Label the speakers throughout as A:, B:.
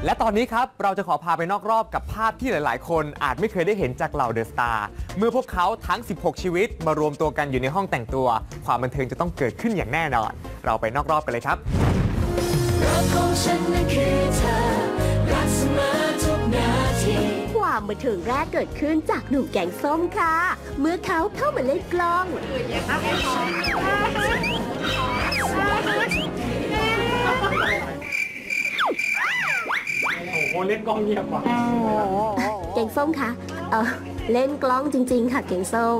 A: และตอนนี้ครับเราจะขอพาไปนอกรอบกับภาพที่หลายๆคนอาจไม่เคยได้เห็นจากเหล่าเดอะสตาร์เมื่อพวกเขาทั้ง 16 ชีวิตมารวมตัวกันอยู่ในห้องแต่งตัวความบันเทิงจะต้องเกิดขึ้นอย่างแน่นอนเราไปนอกรอบกันเลยครับ
B: ความบันเทิงแรกเกิดขึ้นจากหนุ่มแกงส้มค่ะเมื่อเขาเข้ามาเล่นกล้อง
A: โอ้เล่นกล้องเงียบกว่า
B: แกงส้มคะเล่นกล้องจริงๆค่ะแกงส้ม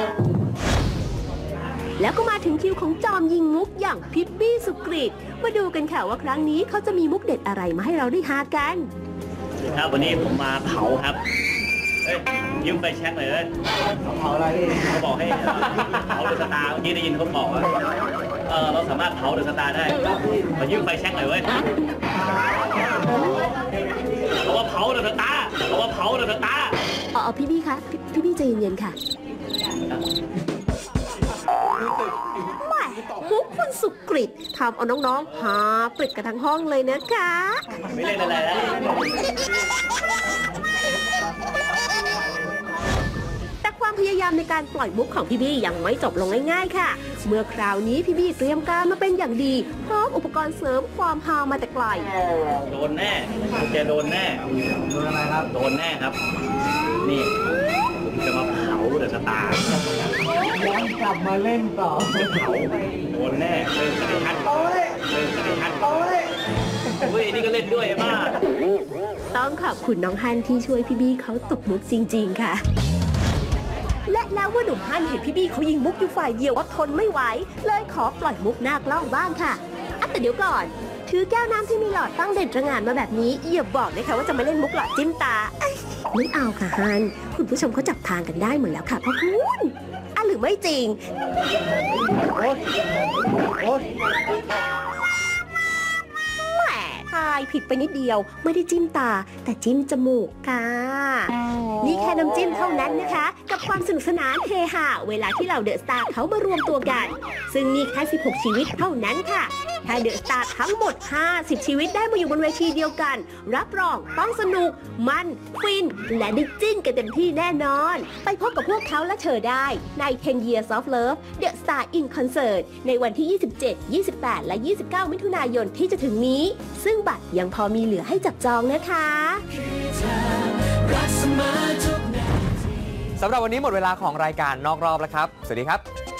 B: แล้วก็มาถึงคิวของจอมยิงมุกอย่างพิบบี้สุกฤตมาดูกันค่ะว่าครั้งนี้เขาจะมีมุกเด็ดอะไรมาให้เราได้ฮากัน
C: ครับวันนี้ผมมาเผาครับยืมไปแช็คเลยเผาอะไรเขาบอกให้เผาเดอะสตาร์เมื่อกี้ได้ยินเขาบอกว่าเราสามารถเผาเดอะสตาร์ได้มายืมไปแช็คหน่อยเว้ยเขาว่าเผาเดอะสตาร์เขาว่าเผาเดอะสตาร์
B: พี่บี้คะพี่บี้ใจเย็นๆค่ะมุกคุณสุกฤตทำเอาน้องๆหาปริดกันทั้งห้องเลยนะคะ
C: ไม่เล่นอะไรแล้ว
B: แต่ความพยายามในการปล่อยมุกของพี่บี้ยังไม่จบลงง่ายๆค่ะเมื่อคราวนี้พี่บี้เตรียมการมาเป็นอย่างดีพร้อมอุปกรณ์เสริมความฮามาแต่ไกล
C: โดนแน่แกโดนแน่โดนอะไรครับโดนแน่ครับนี่ผมจะมาเผาเดอะสตาร์
A: ย้อนกลับมาเล่นต่อ
C: จะเผาโดนแน่เล่นสไตล์ทันเล่นสไตล์ทันโอ้ยนี่ก็เล่นด้วยมาก
B: ต้องขอบคุณน้องฮันที่ช่วยพี่บี้เขาตบมุกจริงๆค่ะและแล้วว่าหนุ่มฮันเห็นพี่บี้เขายิงมุกอยู่ฝ่ายเดียวก็ทนไม่ไหวเลยขอปล่อยมุกหน้ากล้องบ้างค่ะแต่เดี๋ยวก่อนถือแก้วน้ำที่มีหลอดตั้งเด่นระงานมาแบบนี้อย่าบอกนะคะว่าจะมาเล่นมุกหลอดจิ้มตาไม่เอาค่ะฮันคุณผู้ชมเขาจับทางกันได้หมดแล้วค่ะพ่อคุณหรือไม่จริงแหมทายผิดไปนิดเดียวไม่ได้จิ้มตาแต่จิ้มจมูกค่ะนี่แค่น้ำจิ้มเท่านั้นนะคะกับความสนุกสนานเฮฮาเวลาที่เหล่าเดอะสตาร์เขามารวมตัวกันซึ่งนี่แค่16ชีวิตเท่านั้นค่ะถ้าเดอะสตาร์ทั้งหมด50ชีวิตได้มาอยู่บนเวทีเดียวกันรับรองต้องสนุกมันฟินและได้จิ้นกันเต็มที่แน่นอนไปพบกับพวกเขาและเธอได้ใน 10 Years of Love The Star in Concert ในวันที่27 28 และ 29 มิถุนายนที่จะถึงนี้ซึ่งบัตรยังพอมีเหลือให้จับจองนะคะ
A: สำหรับวันนี้หมดเวลาของรายการนอกรอบแล้วครับสวัสดีครับ